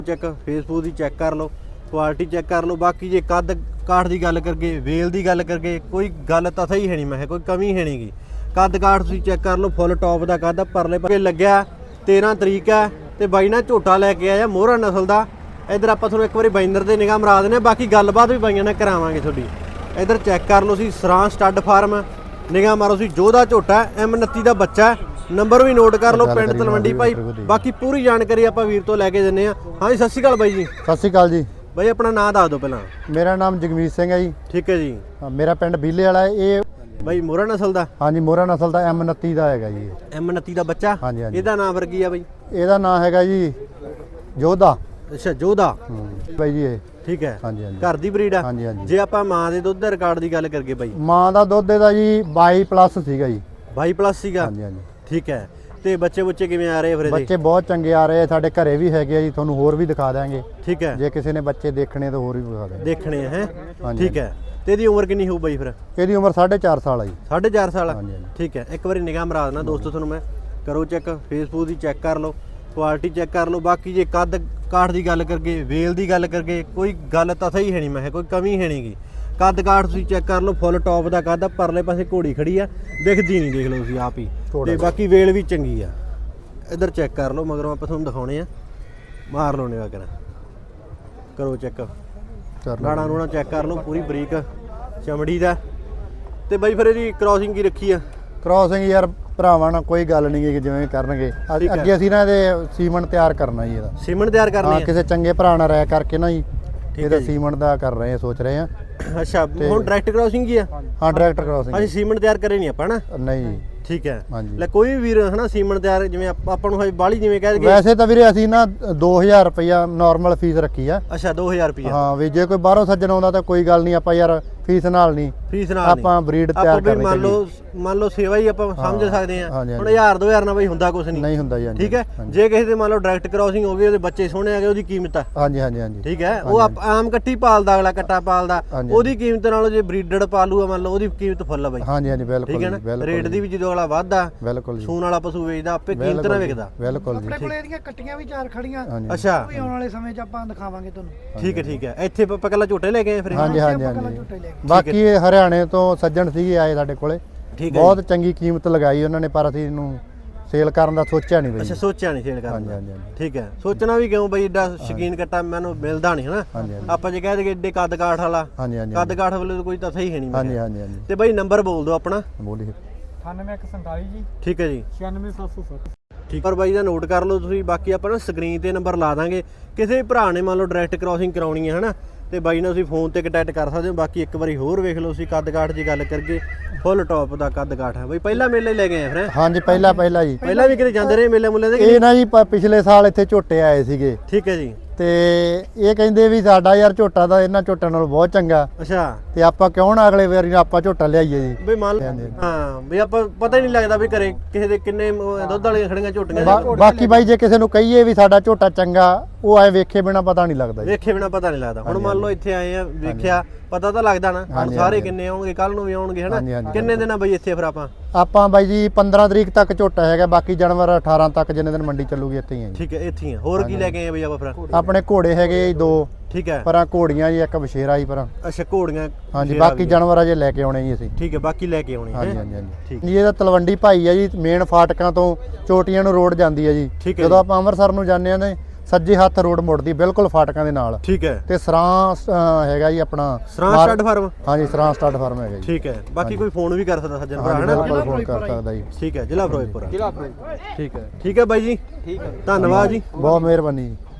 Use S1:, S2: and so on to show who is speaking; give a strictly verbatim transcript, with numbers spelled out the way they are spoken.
S1: Check Facebook की check कर लो, quality check कर लो। बाकी जे कद काठ की गल करके, वेल की गल करके, कोई गल तो सही है नहीं, मैं कोई कमी है नहीं गी। कद काठ तुसीं चेक कर लो, फुल टॉप का कद परले पासे लग्या। तेरह तरीक है तो बाई ना झोटा लैके आया मोहरा नस्ल का। इधर आप थोड़ा एक बार बाइंदर से निगाह मरा देने, बाकी गलबात भी बाइया ने करावांगे थोड़ी। इधर चेक कर लो सी सरां स्टड फार्म, निगाह मारो सी जोधा झोटा एम उनतीस का बच्चा। नंबर भी नोट कर लो, पिंड तलवंडी भाई। बाकी पूरी जानकारी आप वीर तो लैके दिंदे आ। हाँ जी, सत श्री अकाल बाई जी।
S2: सत श्री अकाल जी।
S1: बाई अपना नाम दस दो पहला।
S2: मेरा नाम जगमीत सिंह है जी।
S1: ठीक है जी।
S2: मेरा पिंड बीले वाला है। ये
S1: बाई मोहरा नस्ल का?
S2: हाँ जी, मोहरा नस्ल का एम उनतीस का है जी।
S1: एम उनतीस का बच्चा?
S2: हाँ जी।
S1: ਇਹਦਾ ਨਾਮ ਫਿਰ ਕੀ ਆ ਬਾਈ?
S2: ਇਹਦਾ ਨਾਮ ਹੈਗਾ ਜੀ ਜੋਧਾ।
S1: ਅੱਛਾ, ਜੋਧਾ
S2: ਬਾਈ ਜੀ ਇਹ
S1: ਠੀਕ ਹੈ।
S2: ਹਾਂਜੀ ਹਾਂਜੀ।
S1: ਘਰ ਦੀ ਬਰੀਡ ਆ?
S2: ਹਾਂਜੀ ਹਾਂਜੀ।
S1: ਜੇ ਆਪਾਂ ਮਾਂ ਦੇ ਦੁੱਧ ਦੇ ਰਿਕਾਰਡ ਦੀ ਗੱਲ ਕਰਕੇ ਬਾਈ,
S2: ਮਾਂ ਦਾ ਦੁੱਧ ਇਹਦਾ ਜੀ ਬਾਈ ਪਲੱਸ ਸੀਗਾ ਜੀ।
S1: ਬਾਈ ਪਲੱਸ ਸੀਗਾ?
S2: ਹਾਂਜੀ ਹਾਂਜੀ।
S1: ਠੀਕ ਹੈ। ਤੇ ਬੱਚੇ ਬੱਚੇ ਕਿਵੇਂ ਆ ਰਹੇ ਫਿਰ ਇਹਦੇ?
S2: ਬੱਚੇ ਬਹੁਤ ਚੰਗੇ ਆ ਰਹੇ, ਸਾਡੇ ਘਰੇ ਵੀ ਹੈਗੇ ਆ ਜੀ, ਤੁਹਾਨੂੰ ਹੋਰ ਵੀ ਦਿਖਾ ਦਾਂਗੇ।
S1: ਠੀਕ ਹੈ।
S2: ਜੇ ਕਿਸੇ ਨੇ ਬੱਚੇ ਦੇਖਣੇ ਤਾਂ ਹੋਰ ਵੀ ਦਿਖਾ ਦਾਂਗੇ।
S1: ਦੇਖਣੇ ਹੈ? ਠੀਕ ਹੈ। ਤੇ ਇਹਦੀ ਉਮਰ ਕਿੰਨੀ ਹੋਊ ਬਾਈ ਫਿਰ?
S2: ਇਹਦੀ ਉਮਰ ਸਾਢੇ ਚਾਰ ਸਾਲ ਆ ਜੀ।
S1: ਸਾਢੇ ਚਾਰ ਸਾਲ?
S2: ਹਾਂਜੀ ਹਾਂਜੀ।
S1: ਠੀਕ ਹੈ। ਇੱਕ ਵਾਰੀ ਨਿਗਾਹ ਮਰਾ ਦੇਣਾ ਦੋਸਤੋ ਤੁਹਾਨੂੰ ਮੈਂ। ਕਰੋ ਚੈੱਕ, ਫੇਸਬੁਕ ਦੀ ਚੈੱਕ ਕਰ ਲਓ, ਕੁਆਲਿਟੀ ਚੈੱਕ ਕਰ ਲਓ। ਬਾਕੀ ਜੇ ਕੱਦ ਕਾਠ ਦੀ ਗੱਲ ਕਰਕੇ, ਵੇਲ ਦੀ ਗੱਲ ਕਰਕੇ, ਕੋਈ ਗੱਲ ਤਾਂ ਸਹੀ ਹੈ ਨਹੀਂ, ਮੈਂ ਕੋਈ ਕਮੀ ਹੈ ਨਹੀਂ ਗੀ। ਕੱਦ ਕਾਠ ਤੁਸੀਂ ਚੈੱਕ ਕਰ ਲਓ, ਫੁੱਲ ਟੌਪ ਦਾ ਕੱਦ। ਪਰਲੇ ਪਾਸੇ ਘੋੜੀ ਖੜੀ ਆ, ਦਿਖਦੀ ਨਹੀਂ, ਦੇਖ ਲਓ ਤੁਸੀਂ ਆਪ ਹੀ। ਤੇ ਬਾਕੀ ਵੇਲ ਵੀ ਚੰਗੀ ਆ। ਇੱਧਰ ਚੈੱਕ ਕਰ ਲਓ, ਮਗਰੋਂ ਆਪਾਂ ਤੁਹਾਨੂੰ ਦਿਖਾਉਣੇ ਆ। ਮਾਰ ਲਓ ਨਿਗਾਹ ਕਰਾਂ, ਕਰੋ ਚੈੱਕ। ਲਾੜਾ ਨੂੰ ਚੈੱਕ ਕਰ ਲਓ, ਪੂਰੀ ਬਰੀਕ ਚਮੜੀ ਦਾ। ਤੇ ਬਾਈ ਫਿਰ ਇਹਦੀ ਕ੍ਰਾਸਿੰਗ ਕੀ ਰੱਖੀ ਆ?
S2: ਕ੍ਰਾਸਿੰਗ ਯਾਰ ਭਰਾਵਾਂ ਨਾਲ ਕੋਈ ਗੱਲ ਨਹੀਂ ਗੀ, ਜਿਵੇਂ ਕਰਨਗੇ ਅੱਗੇ ਅਸੀਂ ਨਾ ਇਹਦੇ ਸੀਮਨ ਤਿਆਰ ਕਰਨਾ ਜੀ। ਇਹਦਾ
S1: ਸੀਮਨ ਤਿਆਰ ਕਰਨਾ?
S2: ਹਾਂ, ਕਿਸੇ ਚੰਗੇ ਭਰਾ ਨਾਲ ਰਾਇ ਕਰਕੇ ਨਾ ਜੀ ਇਹਦਾ ਸੀਮਨ ਦਾ ਕਰ ਰਹੇ ਆ, ਸੋਚ ਰਹੇ ਆ।
S1: ਅੱਛਾ, ਹੁਣ ਡਾਇਰੈਕਟ ਕ੍ਰਾਸਿੰਗ ਹੀ ਆ?
S2: ਹਾਂ, ਡਾਇਰੈਕਟ ਕ੍ਰਾਸਿੰਗ।
S1: ਅਸੀਂ ਸੀਮਨ ਤਿਆਰ ਕਰੇ ਨਹੀਂ ਆਪਾਂ ਨਾ?
S2: ਨਹੀਂ ਜੀ।
S1: ਠੀਕ ਹੈ।
S2: ਹਾਂਜੀ।
S1: ਲੈ ਕੋਈ ਵੀ ਵੀਰ ਹਨਾ ਸੀਮਨ ਤਿਆਰ, ਜਿਵੇਂ ਆਪਾਂ ਨੂੰ ਹਜੇ ਬਾਹਲੀ ਜਿਵੇਂ ਕਹਿ ਦਈਏ।
S2: ਵੈਸੇ ਤਾਂ ਵੀਰੇ ਅਸੀਂ ਨਾ ਦੋ ਹਜ਼ਾਰ ਰੁਪਇਆ ਨਾਰਮਲ ਫੀਸ ਰੱਖੀ ਆ।
S1: ਅੱਛਾ, ਦੋ ਹਜ਼ਾਰ ਰੁਪਇਆ?
S2: ਹਾਂ ਵੀ ਜੇ ਕੋਈ ਬਾਹਰੋਂ ਸੱਜਣ ਆਉਂਦਾ ਤਾਂ ਕੋਈ ਗੱਲ ਨਹੀਂ, ਆਪਾਂ ਯਾਰ ਫੀਸ ਨਾਲ ਨਹੀਂ,
S1: ਫੀਸ ਨਾਲ
S2: ਆਪਾਂ ਬਰੀਡ ਤਿਆਰ ਕਰਨੀ।
S1: ਮੰਨ ਲਓ ਮੰਨ ਲਓ ਸੇਵਾ ਹੀ ਆਪਾਂ ਸਮਝ ਸਕਦੇ ਆ। ਹੁਣ ਹਜ਼ਾਰ ਦੋ ਹਜ਼ਾਰ ਨਾਲ ਬਈ ਹੁੰਦਾ ਕੁਝ ਨਹੀਂ। ਨਹੀਂ ਹੁੰਦਾ ਜੀ। ਠੀਕ ਹੈ। ਜੇ ਕਿਸੇ ਦੇ ਮੰਨ ਲਓ ਡਾਇਰੈਕਟ ਕ੍ਰਾਸਿੰਗ ਹੋ ਗਈ, ਉਹਦੇ ਬੱਚੇ ਸੋਹਣੇ ਆ ਗਏ, ਉਹਦੀ ਕੀਮਤ ਆ? ਹਾਂਜੀ ਹਾਂਜੀ ਹਾਂਜੀ। ਠੀਕ ਹੈ। ਉਹ ਆਮ ਕੱਟੀ ਪਾਲਦਾ, ਅਗਲਾ ਕੱਟਾ ਪਾਲਦਾ, ਉਹਦੀ ਕੀਮਤ ਨਾਲੋਂ ਜੇ ਬਰੀਡਡ ਪਾਲੂਆ ਮੰਨ ਲਓ, ਉਹਦੀ ਕੀਮਤ ਫੁੱਲ ਆ ਬਾਈ। ਹਾਂਜੀ ਹਾਂਜੀ, ਬਿਲਕੁਲ। ਠੀਕ ਹੈ ਨਾ। ਰੇਟ ਦੀ ਵੀ ਜਦੋਂ ਅਗਲਾ ਵੱਧਦਾ, ਬਿਲਕੁਲ ਸੂਣ ਵਾਲਾ ਪਸ਼ੂ ਵੇਚਦਾ, ਆਪੇ ਕੀਮਤ ਨਾਲ ਵਿਕਦਾ। ਬਿਲਕੁਲ ਜੀ।
S3: ਆਪਣੇ ਕੋਲੇ ਇਹਦੀਆਂ ਕੱਟੀਆਂ ਵੀ ਚਾਰ ਖੜੀਆਂ।
S1: ਅੱਛਾ,
S3: ਉਹ ਵੀ ਆਉਣ ਵਾਲੇ ਸਮੇਂ 'ਚ ਆਪਾਂ ਦਿਖਾਵਾਂਗੇ ਤੁਹਾਨੂੰ।
S1: ਠੀਕ ਹੈ ਠੀਕ ਹੈ। ਇੱਥੇ ਆਪਾਂ ਕੱਲਾ ਝੋਟੇ ਲੈ ਕੇ ਆਏ ਫਿਰ?
S2: ਹਾਂਜੀ ਹਾਂਜੀ ਹਾਂਜੀ। ਬਾਕੀ ਹਰਿਆਣੇ ਤੋਂ ਸੱਜਣ ਸੀਗੇ ਆਏ ਸਾਡੇ ਕੋਲੇ, ਬਹੁਤ ਚੰਗੀ ਕੀਮਤ ਲਗਾਈ ਉਹਨਾਂ ਨੇ, ਪਰ ਅਸੀਂ ਇਹਨੂੰ ਸੇਲ ਕਰਨ ਦਾ ਸੋਚਿਆ ਨਹੀਂ ਬਈ।
S1: ਅੱਛਾ, ਸੋਚਿਆ ਨਹੀਂ ਸੇਲ ਕਰਨ ਦਾ।
S2: ਹਾਂਜੀ ਹਾਂਜੀ।
S1: ਠੀਕ ਹੈ। ਸੋਚਣਾ ਵੀ ਕਿਉਂ ਬਈ, ਏਡਾ ਸ਼ਕੀਨ ਕੱਟਾ ਮੈਨੂੰ ਮਿਲਦਾ ਨਹੀਂ ਹਨਾ। ਆਪਾਂ ਜੇ ਕਹਿ ਦਈਏ ਏਡੇ ਕੱਦ ਕਾਠ ਵਾਲਾ,
S2: ਹਾਂਜੀ ਹਾਂਜੀ,
S1: ਕੱਦ ਕਾਠ ਵਾਲੇ ਕੋਈ ਤਾਂ ਸਹੀ ਹੈ ਨਹੀਂ।
S2: ਹਾਂਜੀ ਹਾਂਜੀ ਹਾਂਜੀ।
S1: ਤੇ ਬਾਈ ਨੰਬਰ ਬੋਲ ਦਿਓ ਆਪਣਾ।
S2: ਬੋਲੀ
S3: ਅਠਾਨਵੇਂ ਇੱਕ ਸੰਤਾਲੀ ਜੀ।
S1: ਠੀਕ ਹੈ ਜੀ।
S3: ਛਿਆਨਵੇਂ ਸੱਤ ਸੌ ਸੱਤ।
S1: ਠੀਕ। ਪਰ ਬਾਈ ਦਾ ਨੋਟ ਕਰ ਲਓ ਤੁਸੀਂ। ਬਾਕੀ ਆਪਾਂ ਨਾ ਸਕਰੀਨ ਤੇ ਨੰਬਰ ਲਾ ਦਾਂਗੇ, ਕਿਸੇ ਵੀ ਭਰਾ ਨੇ ਮੰਨ ਲਓ ਡਾਇਰੈਕਟ ਕ੍ਰਾਸਿੰਗ ਕਰਾਉਣੀ ਹੈ ਹਨਾ, ਤੇ ਬਾਈ ਨਾਲ ਤੁਸੀਂ ਫੋਨ ਤੇ ਕੰਟੈਕਟ ਕਰ ਸਕਦੇ ਹੋ। ਬਾਕੀ ਇੱਕ ਵਾਰੀ ਹੋਰ ਵੇਖ ਲਓ ਤੁਸੀਂ, ਕੱਦ ਕਾਠ ਦੀ ਗੱਲ ਕਰਕੇ ਫੁੱਲ ਟੌਪ ਦਾ ਕੱਦ ਕਾਠ ਹੈ ਬਾਈ। ਪਹਿਲਾ ਮੇਲੇ ਲੈ ਗਏ ਆ ਫਿਰ? ਹਾਂਜੀ, ਪਹਿਲਾ ਪਹਿਲਾ ਜੀ। ਪਹਿਲਾਂ ਵੀ ਕਿਤੇ ਜਾਂਦੇ ਰਹੇ ਮੇਲੇ ਮੁੱਲੇ ਦੇ? ਇਹ ਨਾ ਜੀ ਪਿਛਲੇ ਸਾਲ ਇੱਥੇ ਝੋਟੇ ਆਏ ਸੀਗੇ। ਠੀਕ ਹੈ ਜੀ। ਤੇ ਇਹ ਕਹਿੰਦੇ ਵੀ ਸਾਡਾ ਯਾਰ ਝੋਟਾ ਦਾ ਇਹਨਾਂ ਝੋਟਿਆਂ ਨਾਲੋਂ ਬਹੁਤ ਚੰਗਾ। ਅੱਛਾ। ਤੇ ਆਪਾਂ ਕਿਉਂ ਨਾ ਅਗਲੇ ਵਾਰੀ ਆਪਾਂ ਝੋਟਾ ਲਿਆਈਏ ਜੀ ਬਈ। ਮੰਨ ਹਾਂ ਵੀ ਆਪਾਂ ਪਤਾ ਹੀ ਨਹੀਂ ਲੱਗਦਾ ਵੀ ਘਰੇ ਕਿਸੇ ਦੇ ਕਿੰਨੇ ਦੁੱਧ ਵਾਲੀਆਂ ਖੜੀਆਂ ਝੋਟੀਆਂ। ਬਾਕੀ ਬਾਈ ਜੇ ਕਿਸੇ ਨੂੰ ਕਹੀਏ ਵੀ ਸਾਡਾ ਝੋਟਾ ਚੰਗਾ, ਉਹ ਐ ਵੇਖੇ ਬਿਨਾ ਪਤਾ ਨਹੀਂ ਲੱਗਦਾ। ਵੇਖੇ ਬਿਨਾ ਪਤਾ ਨਹੀਂ ਲੱਗਦਾ। ਹੁਣ ਮੰਨ ਲਓ ਇੱਥੇ ਆਏ ਆ, ਵੇਖਿਆ, ਪਤਾ ਤਾਂ ਲੱਗਦਾ ਨਾ। ਹੁਣ ਸਾਰੇ ਕਿੰਨੇ ਆਉਣਗੇ, ਕੱਲ ਨੂੰ ਵੀ ਆਉਣਗੇ ਹਨਾ। ਕਿੰਨੇ ਦਿਨ ਆ ਬਈ ਇੱਥੇ ਫਿਰ ਆਪਾਂ? ਆਪਾਂ ਬਾਈ ਜੀ ਪੰਦਰਾਂ ਤਰੀਕ ਤੱਕ ਝੋਟਾ ਹੈਗਾ, ਬਾਕੀ ਜਾਨਵਰ ਅਠਾਰਾਂ ਤੱਕ ਜਿੰਨੇ ਦਿਨ ਮੰਡੀ ਚੱਲੂਗੀ ਇੱਥੇ ਹੀ ਆ। ਠੀਕ ਹੈ, ਇੱਥੇ ਹੀ ਆ। ਹੋਰ ਕੀ ਲੈ ਕੇ ਆਏ ਬਈ ਆਪਾਂ ਫਿਰ? ਆਪਣੇ ਘੋੜੇ ਹੈਗੇ ਜੀ ਦੋ। ਠੀਕ ਹੈ। ਪਰਾਂ ਘੋੜੀਆਂ ਜੀ, ਇੱਕ ਬਸ਼ੇਰਾ ਜੀ ਪਰਾਂ। ਅੱਛਾ, ਘੋੜੀਆਂ। ਹਾਂਜੀ, ਬਾਕੀ ਜਾਨਵਰ ਅਜੇ ਲੈ ਕੇ ਆਉਣੇ ਜੀ ਅਸੀਂ। ਠੀਕ ਹੈ, ਬਾਕੀ ਲੈ ਕੇ ਆਉਣੇ। ਹਾਂਜੀ ਹਾਂਜੀ ਹਾਂਜੀ। ਜੀ ਇਹਦਾ ਤਲਵੰਡੀ ਭਾਈ ਆ ਜੀ, ਮੇਨ ਫਾਟਕਾਂ ਤੋਂ ਚੋਟੀਆਂ ਨੂੰ ਰੋਡ ਜਾਂਦੀ ਹੈ ਜੀ। ਜਦੋਂ ਆਪਾਂ ਅੰਮ੍ਰਿਤਸਰ ਨੂੰ ਜਾਂਦੇ ਆ ਨੇ, ਸੱਜੇ ਹੱਥ ਰੋਡ ਮੁੜਦੀ ਬਿਲਕੁਲ ਫਾਟਕਾਂ ਦੇ ਨਾਲ। ਠੀਕ ਹੈ। ਤੇ ਸਰਾਂ ਹੈਗਾ ਜੀ ਆਪਣਾ ਸਰਾਂ ਸਟੱਡ ਫਾਰਮ। ਹਾਂਜੀ, ਸਰਾਂ ਸਟੱਡ ਫਾਰਮ ਹੈਗਾ ਜੀ। ਠੀਕ ਹੈ। ਬਾਕੀ ਕੋਈ ਫੋਨ ਵੀ ਕਰ ਸਕਦਾ ਸੱਜਣ ਭਰਾ ਹਨਾ? ਬਿਲਕੁਲ ਫੋਨ ਕਰ ਸਕਦਾ ਜੀ। ਠੀਕ ਹੈ। ਜ਼ਿਲ੍ਹਾ ਫਿਰੋਜ਼ਪੁਰ। ਜ਼ਿਲ੍ਹਾ ਫਿਰੋਜ਼ਪੁਰ। ਠੀਕ ਹੈ। ਠੀਕ ਹੈ ਬਾਈ ਜੀ। ਠੀਕ ਹੈ, ਧੰਨਵਾਦ ਜੀ, ਬਹੁਤ ਮਿਹਰਬਾਨੀ ਜੀ।